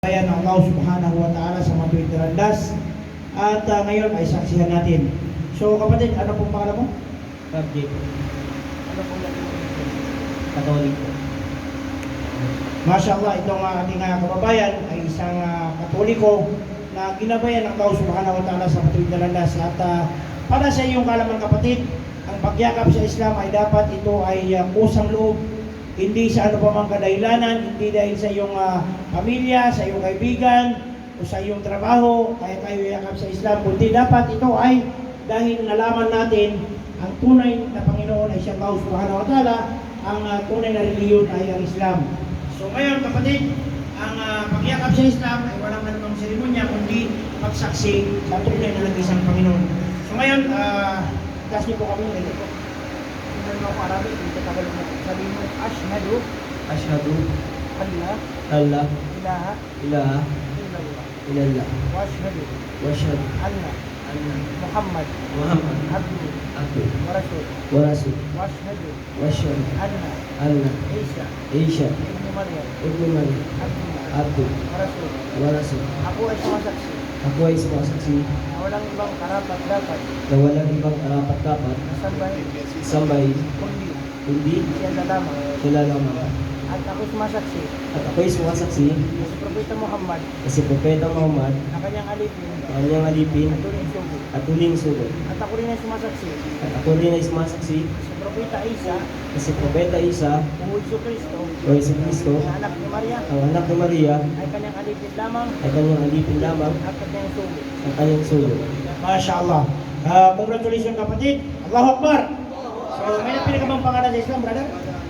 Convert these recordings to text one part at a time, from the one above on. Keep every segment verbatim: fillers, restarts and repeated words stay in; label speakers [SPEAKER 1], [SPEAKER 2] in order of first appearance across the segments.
[SPEAKER 1] Ayan ang Allah subhanahu wa ta'ala sa matuwid na landas. At uh, ngayon ay saksihan natin. So kapatid, ano pong pangalan mo?
[SPEAKER 2] Subject. Ano po yan? Katolik po.
[SPEAKER 1] Masya Allah, itong uh, ating uh, kababayan ay isang uh, katoliko na ginabayan ng Allah subhanahu wa ta'ala sa matuwid na landas. At uh, para sa iyong kalaman kapatid, ang pagyakap sa Islam ay dapat ito ay uh, kusang loob. Hindi sa ano pa mang kadahilanan, hindi dahil sa iyong uh, pamilya, sa iyong kaibigan, o sa iyong trabaho, kaya tayo yakap sa Islam. Kundi dapat ito ay dahil nalaman natin ang tunay na Panginoon ay siya Allah subhanahu wa ta'ala, ang uh, tunay na reliyon ay ang Islam. So ngayon kapatid, ang uh, pagyakap sa Islam ay walang anumang seremonya, kundi pagsaksi sa tunay na nag-isang Panginoon. So ngayon, uh, taas niyo po kami ng ganito.
[SPEAKER 2] Tingnan mo ako Arabic, hindi ka Tagalog mo. Sabihin mo, Ashhadu,
[SPEAKER 3] Asyhadu
[SPEAKER 2] Allah,
[SPEAKER 3] alla
[SPEAKER 2] ilaha,
[SPEAKER 3] ilaha
[SPEAKER 2] illallah.
[SPEAKER 3] illallah
[SPEAKER 2] Wa ashhadu,
[SPEAKER 3] wa asyhadu
[SPEAKER 2] anna,
[SPEAKER 3] anna
[SPEAKER 2] Muhammad,
[SPEAKER 3] Muhammad
[SPEAKER 2] abdu,
[SPEAKER 3] abdu
[SPEAKER 2] wa rasul.
[SPEAKER 3] wa rasul
[SPEAKER 2] Wa ashhadu,
[SPEAKER 3] wa asyhadu
[SPEAKER 2] anna,
[SPEAKER 3] anna
[SPEAKER 2] Isa,
[SPEAKER 3] Isa
[SPEAKER 2] ibnu Maryam,
[SPEAKER 3] ibnu Maryam
[SPEAKER 2] abdullah,
[SPEAKER 3] abdu
[SPEAKER 2] wa rasul.
[SPEAKER 3] wa rasul.
[SPEAKER 2] Ako ay sumasaksi
[SPEAKER 3] Ako ay sumasaksi
[SPEAKER 2] na walang ibang karapat dapat
[SPEAKER 3] na walang ibang karapat-dapat
[SPEAKER 2] na sambay,
[SPEAKER 3] sambay
[SPEAKER 2] kundi
[SPEAKER 3] kundi
[SPEAKER 2] siya na lamang.
[SPEAKER 3] sila lamang.
[SPEAKER 2] At ako sumasaksi
[SPEAKER 3] At ako ay sumasaksi
[SPEAKER 2] na si Propeta Muhammad
[SPEAKER 3] na si Propeta Muhammad
[SPEAKER 2] na kanyang alipin
[SPEAKER 3] na kanyang alipin
[SPEAKER 2] at tuling sugo.
[SPEAKER 3] at huling sugo.
[SPEAKER 2] At ako rin ay sumasaksi
[SPEAKER 3] At ako rin ay sumasaksi
[SPEAKER 2] si Propeta Isa
[SPEAKER 3] na si Propeta Isa
[SPEAKER 2] o Isu Kristo
[SPEAKER 3] o Yesu Kristo,
[SPEAKER 2] na anak ni Maria
[SPEAKER 3] ang anak ni Maria,
[SPEAKER 2] ay kanyang alipin lamang
[SPEAKER 3] ay kanyang alipin lamang
[SPEAKER 2] at kanyang sugo.
[SPEAKER 3] ang kanyang sugo.
[SPEAKER 1] Masya Allah. Uh, congratulations kapatid. Allahu Akbar. So may napili ka bang pangalan sa Islam, brother?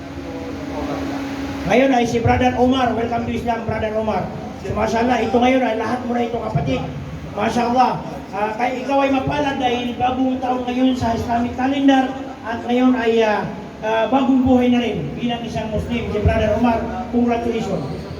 [SPEAKER 1] Ngayon ay si Brother Omar. Welcome to Islam, Brother Omar. So Masya Allah, ito ngayon ay lahat mo na ito kapatid. Masya Allah. Uh, kaya ikaw ay mapalad dahil bagong taon ngayon sa Islamic calendar at ngayon ay uh, uh, bagong buhay na rin bilang isang Muslim. Si Brother Omar, congratulations.